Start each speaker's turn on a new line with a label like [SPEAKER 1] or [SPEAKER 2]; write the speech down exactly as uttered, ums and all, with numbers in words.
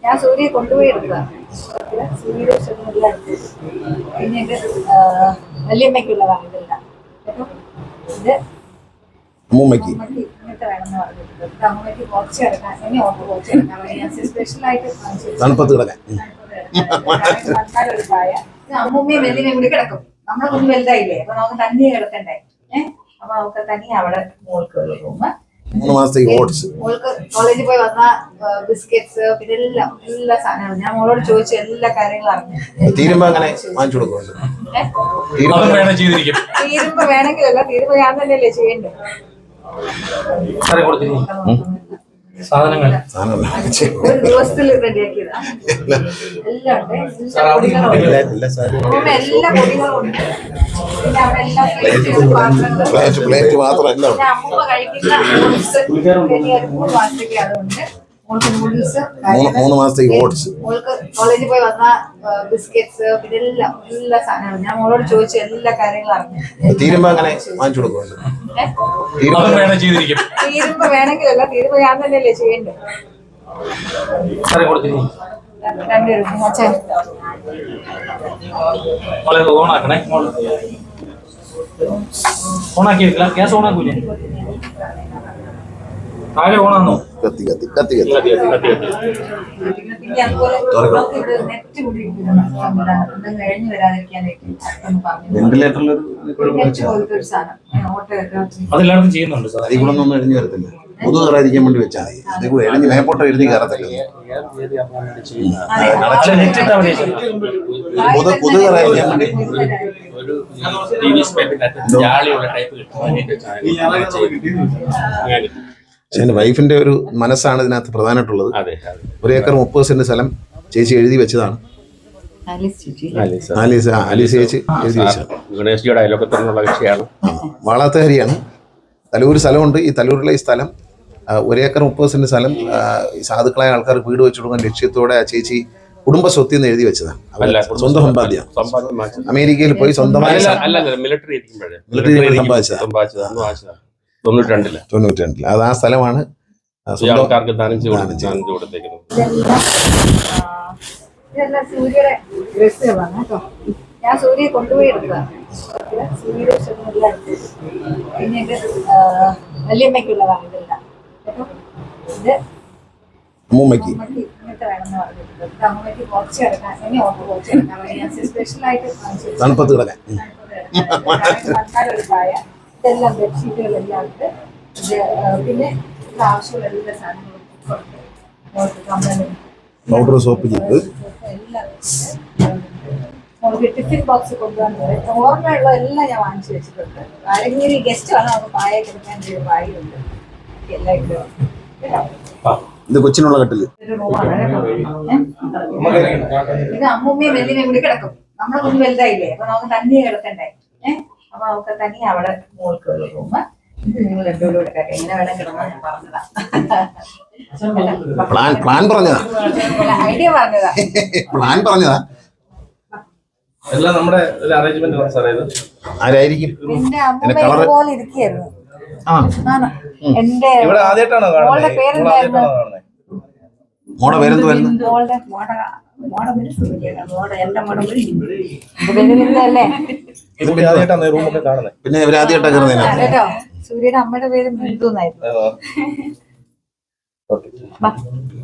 [SPEAKER 1] ഞാൻ സൂര്യയെ കൊണ്ടുപോയി എടുത്തതാണ്. സൂര്യയുടെ ഇഷ്ടത്തിനെല്ലാം പിന്നെ ഇത് വല്യമ്മയ്ക്കുള്ളതാണ് ഇതെല്ലാം. ഇത്
[SPEAKER 2] അമ്മൂമ്മയ്ക്ക്
[SPEAKER 1] ഇങ്ങനത്തെ വേണമെന്ന് പറഞ്ഞിട്ടുണ്ട്. അമ്മയ്ക്ക് കുറച്ച് കിടക്കാൻ ഇനി ഓർത്ത് കുറച്ച് കിടക്കാൻ വേണ്ടി ഞാൻ സ്പെഷ്യലായിട്ട്
[SPEAKER 2] തണുപ്പത്ത് കിടക്കാൻ
[SPEAKER 1] ഒരു പായ. അമ്മൂമ്മയും വല്യമ്മയും കൂടി കിടക്കും. നമ്മളെ കുഞ്ഞ് വലുതായില്ലേ, അപ്പൊ നമുക്ക് തനിയെ കിടക്കണ്ടേ. ഏഹ് അപ്പൊ നമുക്ക് തനിയെ അവിടെ മോൾക്ക് ഒരു റൂമ്.
[SPEAKER 2] മൂന്ന് മാസത്തേക്ക് ഓട്സ്
[SPEAKER 1] മോൾക്ക് കോളേജിൽ പോയി വന്ന ബിസ്ക്കറ്റ്സ് പിന്നെ എല്ലാം എല്ലാ സാധനങ്ങളും ഞാൻ മോളോട് ചോദിച്ചു എല്ലാ കാര്യങ്ങളും അറിഞ്ഞു.
[SPEAKER 2] തീരുമ്പോ അങ്ങനെ വാങ്ങിച്ചു കൊടുക്കുന്നുണ്ട്.
[SPEAKER 1] തീരുമ്പോ വേണമെങ്കിലല്ല, തീരുമ്പോ ഞാൻ തന്നെയല്ലേ ചെയ്യണ്ടേ.
[SPEAKER 3] സാധനങ്ങൾ
[SPEAKER 1] ഒരു ദിവസത്തിൽ റെഡിയാക്കിയതാ. എല്ലാം ഉണ്ട്, എല്ലാ പൊടികളും ഉണ്ട്. പിന്നെ അവിടെ എല്ലാം
[SPEAKER 2] പ്ലേറ്റ് മാത്രമല്ല
[SPEAKER 1] പിന്നെ അമ്മൂമ്മ കഴിക്കുന്ന നൂഡിൽസ് മൂന്ന് മാസത്തേക്ക് അതുണ്ട്. മോൾക്ക് നൂഡിൽസ്,
[SPEAKER 2] മൂന്ന് മാസത്തേക്ക് ഓട്സ്,
[SPEAKER 1] മോൾക്ക് കോളേജിൽ പോയി വന്ന ബിസ്ക്കറ്റ്സ് പിന്നെ എല്ലാം എല്ലാ സാധനങ്ങളും ഞാൻ മോളോട് ചോദിച്ചു എല്ലാ കാര്യങ്ങളും അറിഞ്ഞു.
[SPEAKER 2] തീരുമ്പോ അങ്ങനെ വാങ്ങിച്ചു കൊടുക്കുന്നുണ്ട്.
[SPEAKER 1] തീരുമ്പോ വേണമെങ്കിലല്ല, തീരുമ്പോ ഞാൻ തന്നെയല്ലേ ചെയ്യണ്ടേ. രണ്ടുപേരും അച്ഛൻ
[SPEAKER 3] ഓണാക്കണേ. ഓണാക്കിയില്ല, ഗ്യാസ് ഓണാക്കൂലേ? താഴെ ഓണാന്നോ?
[SPEAKER 2] കത്തി കത്തി കത്തി കത്തി
[SPEAKER 1] പിന്നെ അതുപോലെ നെറ്റ് കൂടി കഴിഞ്ഞു വരാതിരിക്കാനായിട്ട്
[SPEAKER 2] വെന്റിലേറ്ററിൽ
[SPEAKER 1] നെറ്റ് പോലത്തെ ഒരു സാധനം ഓട്ടോയൊക്കെ
[SPEAKER 3] അതെല്ലായിടത്തും ചെയ്യുന്നുണ്ട് സാർ.
[SPEAKER 2] അതിൽ കൂടെ ഒന്നും എഴുതി വരത്തില്ല. കൊതു കയറാതിരിക്കാൻ വേണ്ടി വെച്ചാൽ മതി. അതിൽ കൂടെ എഴുതി മേപ്പോട്ടോ എഴുതി കയറത്തില്ല. കൊതു കൊതു കയറാതിരിക്കാൻ വേണ്ടി പക്ഷെ എൻ്റെ വൈഫിന്റെ ഒരു മനസ്സാണ് ഇതിനകത്ത് പ്രധാനമായിട്ടുള്ളത്. ഒരു ഏക്കർ മുപ്പത് സെന്റ് സ്ഥലം ചേച്ചി എഴുതി വെച്ചതാണ്. ആലീസ് ആലീസ് ചേച്ചി എഴുതി വെച്ചതാണ്. വാളാത്തഹരിയാണ്. തലൂർ സ്ഥലമുണ്ട്. ഈ തലൂരിലെ ഈ സ്ഥലം ഒരു ഏക്കർ മുപ്പത് സെന്റ് സ്ഥലം സാധുക്കളായ ആൾക്കാർക്ക് വീട് വെച്ചു കൊടുക്കാൻ ലക്ഷ്യത്തോടെ ആ ചേച്ചി കുടുംബ സ്വത്തിൽ നിന്ന് എഴുതി വെച്ചതാണ്. സ്വന്തം സമ്പാദ്യം. അമേരിക്കയിൽ പോയി സ്വന്തമായി
[SPEAKER 3] മിലിറ്ററി
[SPEAKER 2] സമ്പാദിച്ചതാണ്. തൊണ്ണൂറ്റി രണ്ടില് തൊണ്ണൂറ്റി രണ്ടില് അത് ആ സ്ഥലമാണ്
[SPEAKER 1] ഇതെല്ലാം സൂര്യയുടെ ഡ്രസ്സുകളാണ് കേട്ടോ. ഞാൻ സൂര്യയെ കൊണ്ടുപോയി എടുത്തതാണ്. സൂര്യയുടെ ഇഷ്ടത്തിനെല്ലാം പിന്നെ ഇത് വല്യമ്മയ്ക്കുള്ളതാണ് ഇതെല്ലാം. ഇത്
[SPEAKER 2] അമ്മൂമ്മയ്ക്ക്
[SPEAKER 1] ഇങ്ങനത്തെ വേണമെന്ന് പറഞ്ഞിട്ടുണ്ട്. അമ്മയ്ക്ക് കുറച്ച് കിടക്കാൻ ഇനി ഓർത്ത് കുറച്ച് കിടക്കാൻ വേണ്ടി ഞാൻ സ്പെഷ്യലായിട്ട്
[SPEAKER 2] തണുപ്പത്ത് കിടക്കാൻ
[SPEAKER 1] ഒരു പായ. ഇതെല്ലാം ബെഡ്ഷീറ്റുകളെല്ലാം ഉണ്ട്. പിന്നെ ആവശ്യമുള്ള എല്ലാ സാധനങ്ങളും
[SPEAKER 2] പൗഡർ സോപ്പ് ചെയ്ത്
[SPEAKER 1] നമുക്ക് ടിഫിൻ ബോക്സ് കൊണ്ടുപോകാൻ പറയും. ഓർമ്മയുള്ള എല്ലാം ഞാൻ വാങ്ങിച്ചു വെച്ചിട്ടുണ്ട്. ആരെങ്കിലും ഗസ്റ്റ് ആണ് നമുക്ക് പായ കിടക്കാൻ ഒരു പായുണ്ട്. എല്ലാം
[SPEAKER 2] ഇത് കൊച്ചിനുള്ള കട്ടില്.
[SPEAKER 1] ഒരു റൂമാണ് കേട്ടോ. ഇത് അമ്മൂമ്മയും വല്യമ്മയും കൂടി കിടക്കും. നമ്മളെ കുഞ്ഞ് വലുതായില്ലേ, അപ്പൊ നമുക്ക് തനിയെ കിടക്കണ്ടേ. ഏഹ് അപ്പൊ നമുക്ക് തനിയെ അവിടെ മോൾക്ക് ഒരു റൂമ്. ഇത് നിങ്ങൾ രണ്ടുകൂടെ കിടക്കാം. എങ്ങനെ വേണം കിടന്നാൽ ഞാൻ പറഞ്ഞതാ.
[SPEAKER 2] പ്ലാൻ പ്ലാൻ പറഞ്ഞതാ
[SPEAKER 1] ഐഡിയ പറഞ്ഞതാ
[SPEAKER 2] പ്ലാൻ പറഞ്ഞതാ
[SPEAKER 3] എല്ലാം നമ്മുടെ ഒരു അറേഞ്ച്മെന്റ് സാറേ. ഇത്
[SPEAKER 2] ആരായിരിക്കും?
[SPEAKER 1] എന്റെ അമ്മ ഇതുപോലെ ഇരിക്കുകയായിരുന്നു. എന്റെ
[SPEAKER 3] ഇവിടെ ആദ്യമായിട്ടാണോ
[SPEAKER 1] മോളുടെ പേരെന്തായിരുന്നു?
[SPEAKER 2] മോടെ പേരെന്തുവായിരുന്നു?
[SPEAKER 1] മോളുടെ മോട മോടെ പേര് സൂര്യയാണ്. മോടെ എന്റെ മോടെ പേര്
[SPEAKER 3] ആദ്യമായിട്ടാണ് റൂമൊക്കെ കാണുന്നത്.
[SPEAKER 2] പിന്നെ ഇവരാദ്യമായിട്ടാണ് കയറുന്നത്
[SPEAKER 1] കേട്ടോ. സൂര്യയുടെ അമ്മയുടെ പേര് ബിന്ദു എന്നായിരുന്നു.